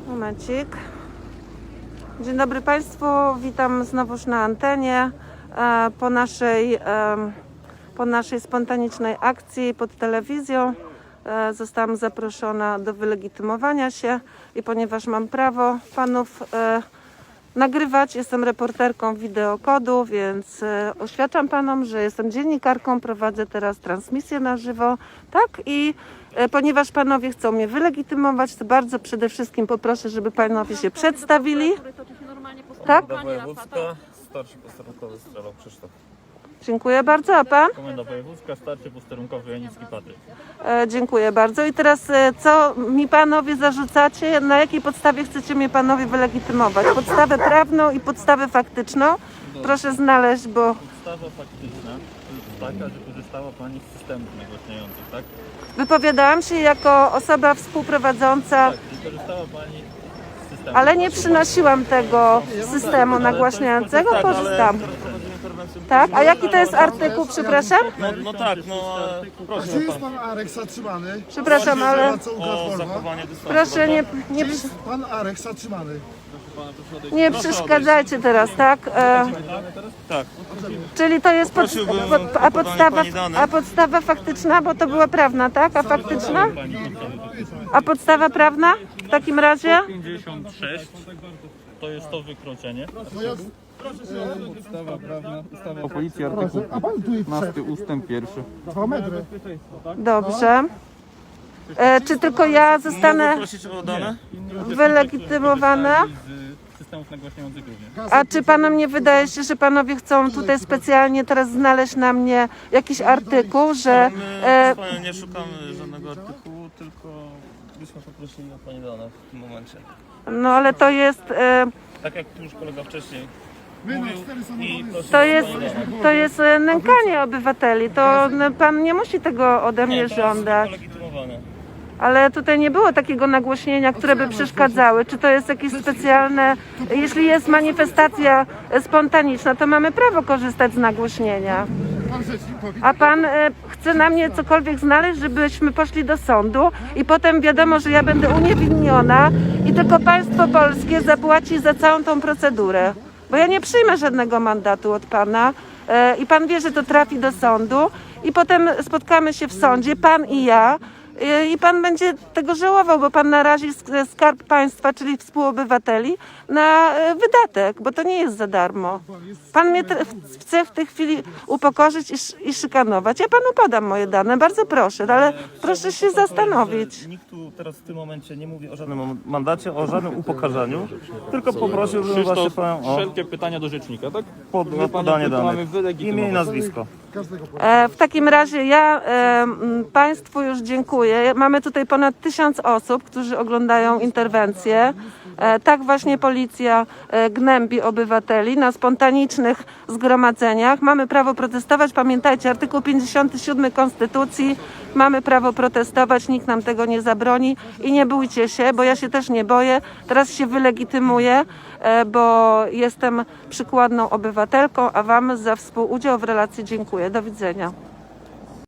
Momencik. Dzień dobry Państwu, witam znowuż na antenie po naszej spontanicznej akcji pod telewizją. Zostałam zaproszona do wylegitymowania się i ponieważ mam prawo panów nagrywać, jestem reporterką Wideokodu, więc oświadczam panom, że jestem dziennikarką, prowadzę teraz transmisję na żywo, tak? I ponieważ panowie chcą mnie wylegitymować, to bardzo przede wszystkim poproszę, żeby panowie się przedstawili. Tak? Komenda wojewódzka, starszy posterunkowy Strzelał Krzysztof. Dziękuję bardzo, a pan? Komenda wojewódzka, starszy posterunkowy Janicki Patryk. Dziękuję bardzo. I teraz co mi panowie zarzucacie? Na jakiej podstawie chcecie mnie panowie wylegitymować? Podstawę prawną i podstawę faktyczną? Proszę znaleźć, bo... Podstawa faktyczna jest taka, że korzystała Pani z systemów nagłaśniających, tak? Wypowiadałam się jako osoba współprowadząca, Tak, i korzystała Pani z systemu. ale nie przynosiłam tego systemu nagłaśniającego, korzystam. Tak? A jaki to jest artykuł, przepraszam? No tak, proszę Czy jest pan Arek zatrzymany? Przepraszam, ale o zachowanie dystansu. proszę Czy jest pan Arek zatrzymany? nie przeszkadzajcie teraz, tak? Tak. Czyli to jest Prosiłbym o podanie pani dane. a podstawa faktyczna, bo to była prawna, tak? A faktyczna? A podstawa prawna w takim razie? 56 to jest to wykroczenie. Podstawa prawna, ustawa O policji artykuł A pan tu 15 ustęp 1. 2 metry. Dobrze. Czy tylko ja zostanę Prosić o dane? wylegitymowana? Z systemów nagłaśniających również. A czy panom nie wydaje się, że panowie chcą tutaj specjalnie teraz znaleźć na mnie jakiś artykuł, że... My nie szukamy żadnego artykułu, tylko byśmy poprosili o Pani dane w tym momencie. No ale to jest... Tak jak już kolega wcześniej My na mówił 4 i samochody. prosił To jest nękanie obywateli. To pan nie musi tego ode mnie żądać. legitymowane. Ale tutaj nie było takiego nagłośnienia, które by przeszkadzały. Czy to jest jakieś specjalne... Jeśli jest manifestacja spontaniczna, to mamy prawo korzystać z nagłośnienia. Pan rzecznik powie. A pan chce na mnie cokolwiek znaleźć, żebyśmy poszli do sądu i potem wiadomo, że ja będę uniewinniona i tylko państwo polskie zapłaci za całą tą procedurę. Bo ja nie przyjmę żadnego mandatu od pana i pan wie, że to trafi do sądu i potem spotkamy się w sądzie, pan i ja, i pan będzie tego żałował, bo pan narazi skarb państwa, czyli współobywateli, na wydatek, bo to nie jest za darmo. Pan mnie chce w tej chwili upokorzyć i szykanować. Ja panu podam moje dane, bardzo proszę, ale proszę się zastanowić. Nikt tu teraz w tym momencie nie mówi o żadnym mandacie, o żadnym upokarzaniu, tylko poprosiłbym właśnie Panią o Wszelkie pytania do rzecznika, tak? podanie mamy danych. wylegitymować. Imię i nazwisko. W takim razie ja Państwu już dziękuję. Mamy tutaj ponad 1000 osób, którzy oglądają interwencję. Tak właśnie policja gnębi obywateli na spontanicznych zgromadzeniach. Mamy prawo protestować. Pamiętajcie, artykuł 57 Konstytucji. Mamy prawo protestować, nikt nam tego nie zabroni i nie bójcie się, bo ja się też nie boję. Teraz się wylegitymuję, bo jestem przykładną obywatelką, a Wam za współudział w relacji dziękuję. Do widzenia.